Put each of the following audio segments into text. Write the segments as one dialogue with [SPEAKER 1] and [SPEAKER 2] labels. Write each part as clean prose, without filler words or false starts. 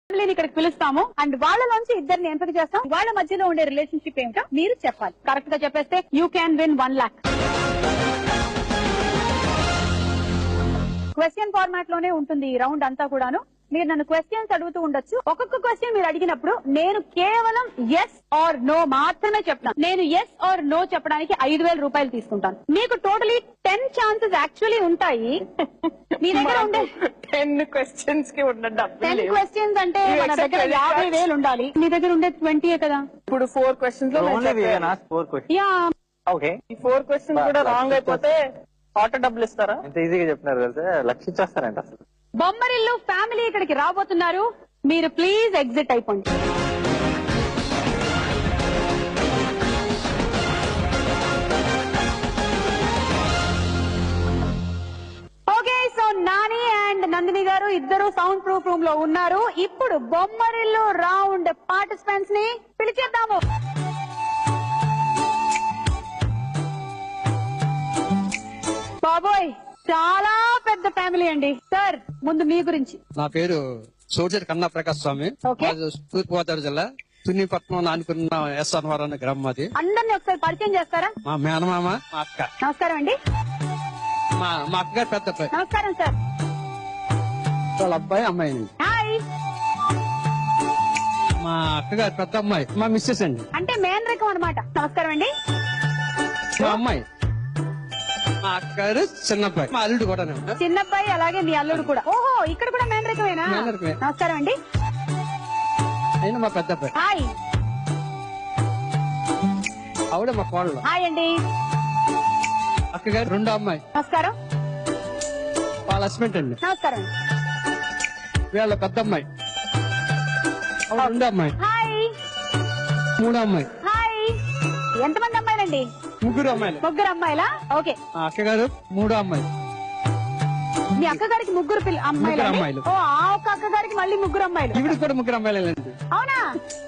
[SPEAKER 1] ఫ్యామిలీని ఇక్కడికి పిలుస్తాము అండ్ వాళ్ళలోంచి ఇద్దరిని ఎంపిక చేస్తాం. వాళ్ళ మధ్యలో ఉండే రిలేషన్షిప్ ఏమిటో మీరు చెప్పాలి. కరెక్ట్ గా చెప్పేస్తే you can win 1 lakh. Question format లోనే ఉంటుంది ఈ రౌండ్ అంతా కూడాను. మీరు నన్ను క్వశ్చన్స్ అడుగుతూ ఉండొచ్చు. ఒక్కొక్క క్వశ్చన్ మీరు అడిగినప్పుడు నేను కేవలం ఎస్ ఆర్ నో మాత్రమే చెప్తాను. నేను ఎస్ ఆర్ నో చెప్పడానికి 5,000 రూపాయలు తీసుకుంటాను. మీకు టోటలీ 10 ఛాన్సెస్ యాక్చువల్లీ ఉంటాయి. మీ దగ్గర ఉండే
[SPEAKER 2] 10 క్వశ్చన్స్ కి ఉన్న
[SPEAKER 1] 10 క్వశ్చన్స్ అంటే మన దగ్గర 50,000 ఉండాలి. మీ దగ్గర ఉండే 20 కదా.
[SPEAKER 2] ఇప్పుడు 4 క్వశ్చన్స్ లో
[SPEAKER 1] యా
[SPEAKER 3] ఓకే.
[SPEAKER 2] ఈ 4 క్వశ్చన్స్ కూడా రాంగ్ అయిపోతే ఆటో డబ్బులు ఇస్తారా?
[SPEAKER 3] ఎంత ఈజీగా చెప్తున్నారు కదా, లక్షించేస్తారంట అసలు.
[SPEAKER 1] బొమ్మరిల్లు ఫ్యామిలీ ఇక్కడికి రాబోతున్నారు. మీరు ప్లీజ్ ఎగ్జిట్ అయిపోండి. Okay, so Nani and Nandini గారు ఇద్దరు సౌండ్ ప్రూఫ్ రూమ్ లో ఉన్నారు. ఇప్పుడు బొమ్మరిల్లు రౌండ్ పార్టిసిపెంట్స్ ని పిలిచేద్దాము. బాబోయ్, చాలా పెద్ద ఫ్యామిలీ అండి. సార్, ముందు మీ గురించి.
[SPEAKER 4] నా పేరు సోజర్ కన్నా ప్రకాశ్ స్వామి.
[SPEAKER 1] ఓకే.
[SPEAKER 4] తూర్పుగోదావరి జిల్లా తున్నిపట్నం నానుకున్న ఎస్ఆర్ఆర్ అనే గ్రామం అది.
[SPEAKER 1] అందరినీ ఒకసారి పరిచయం చేస్తారా?
[SPEAKER 4] మా మేనమామ, మా అక్క,
[SPEAKER 1] నమస్కారం అండి.
[SPEAKER 4] మా అక్కగారు పెద్ద అబ్బాయి,
[SPEAKER 1] నమస్కారం సార్.
[SPEAKER 4] వాళ్ళ అబ్బాయి అమ్మాయి.
[SPEAKER 1] హాయ్.
[SPEAKER 4] మా అక్కగారు పెద్ద అమ్మాయి, మా మిస్సెస్ అండి.
[SPEAKER 1] అంటే మేన్ రకం అనమాట. నమస్కారం అండి.
[SPEAKER 4] మా అమ్మాయి, మా అక్కగారు చిన్నబ్బాయి, మా అల్లుడు కూడా.
[SPEAKER 1] చిన్నబ్బాయి అలాగే మీ అల్లుడు కూడా. ఓహో, ఇక్కడ కూడా మేన్ రకమేనా?
[SPEAKER 4] మేన్ రకమే.
[SPEAKER 1] నమస్కారం అండి.
[SPEAKER 4] అయినా మా పెద్ద అబ్బాయి.
[SPEAKER 1] హాయ్.
[SPEAKER 4] ఆవిడ మా కోడలు.
[SPEAKER 1] హాయ్ అండి.
[SPEAKER 4] అక్కగారు రెండో అమ్మాయి.
[SPEAKER 1] నమస్కారం.
[SPEAKER 4] వాళ్ళ హస్బెండ్ అండి.
[SPEAKER 1] నమస్కారం అండి.
[SPEAKER 4] వీళ్ళ పెద్ద అమ్మాయి, ఆవిడ రెండో అమ్మాయి.
[SPEAKER 1] హాయ్.
[SPEAKER 4] మూడో అమ్మాయి.
[SPEAKER 1] హాయ్. ఎంతమంది అమ్మాయిలండి?
[SPEAKER 4] ముగ్గురు అమ్మాయిలు.
[SPEAKER 1] ముగ్గురు అమ్మాయిలా? ఓకే.
[SPEAKER 4] మా అక్కగారు మూడో అమ్మాయి.
[SPEAKER 1] మీ అక్కగారికి ముగ్గురు
[SPEAKER 4] ముగ్గురు అమ్మాయిలు.
[SPEAKER 1] ఓ, ఆ ఒక్క అక్కగారికి మళ్ళీ ముగ్గురు అమ్మాయిలు.
[SPEAKER 4] ఇవిడికి కూడా ముగ్గురు అమ్మాయిలండి.
[SPEAKER 1] అవునా?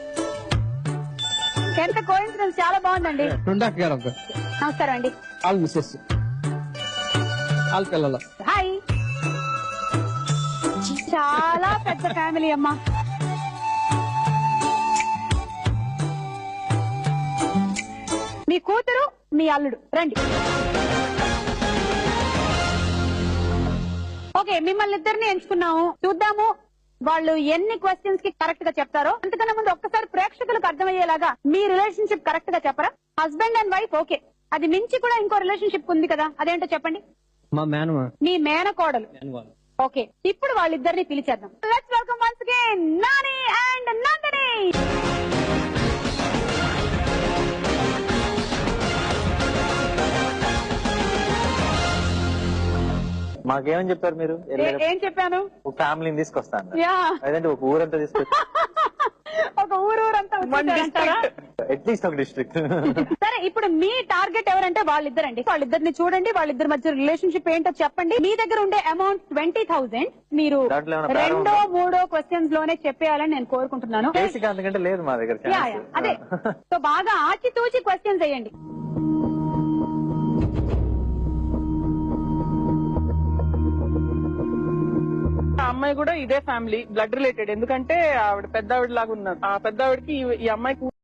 [SPEAKER 1] ఎంత కోఇన్సిడెన్స్, చాలా బాగుందండి.
[SPEAKER 4] రెండో అక్కగారు అబ్బాయి.
[SPEAKER 1] నమస్కారం అండి.
[SPEAKER 4] వాళ్ళ మిస్సెస్, వాళ్ళ పిల్లలు.
[SPEAKER 1] హాయ్. చాలా పెద్ద ఫ్యామిలీ అమ్మా. మీ కూతురు, మీ అల్లుడు రండి. ఓకే, మిమ్మల్ని ఇద్దరిని ఎంచుకున్నాము. చూద్దాము వాళ్ళు ఎన్ని క్వశ్చన్స్ కి కరెక్ట్ గా చెప్తారో. అంతకన్నా ముందు ఒక్కసారి ప్రేక్షకులకు అర్థమయ్యేలాగా మీ రిలేషన్షిప్ కరెక్ట్ గా చెప్పరా? Husband and wife, okay. అది మించి కూడా ఇంకో రిలేషన్షిప్ ఉంది కదా, అదేంటో చెప్పండి.
[SPEAKER 4] మా మేనమా,
[SPEAKER 1] మీ మేనకోడలు. ఓకే, ఇప్పుడు వాళ్ళిద్దరిని పిలిచేద్దాం. Let's welcome once again Nani and Nandini.
[SPEAKER 3] మాకేమని చెప్పారు మీరు?
[SPEAKER 1] ఏం చెప్పాను?
[SPEAKER 3] ఒక ఫ్యామిలీని తీసుకొస్తాను,
[SPEAKER 1] యా,
[SPEAKER 3] అదంటే ఒక ఊరంతా తీసుకొచ్చి
[SPEAKER 1] ఒక ఊరంతా వచ్చేసారంటారా?
[SPEAKER 3] అట్లీస్ట్ ఒక డిస్ట్రిక్ట్.
[SPEAKER 1] సరే, ఇప్పుడు మీ టార్గెట్ ఎవరంటే వాళ్ళిద్దరండి. వాళ్ళిద్దరిని చూడండి, వాళ్ళిద్దరి మధ్య రిలేషన్షిప్ ఏంటో చెప్పండి. మీ దగ్గర ఉండే అమౌంట్ 20,000 మీరు
[SPEAKER 3] దాంట్లో ఏమైనా
[SPEAKER 1] రెండో మూడో క్వశ్చన్స్ లోనే చెప్పేయాలని నేను కోరుకుంటున్నాను.
[SPEAKER 3] బేసిక్ అంతకంటే లేదు మా దగ్గర.
[SPEAKER 1] యా, యా, అదే. సో బాగా ఆచితూచి క్వశ్చన్స్ వేయండి.
[SPEAKER 2] ఆ అమ్మాయి కూడా ఇదే ఫ్యామిలీ, బ్లడ్ రిలేటెడ్. ఎందుకంటే ఆవిడ పెద్ద ఆవిడ లాగా ఉన్నారు. ఆ పెద్ద ఆవిడకి ఈ అమ్మాయి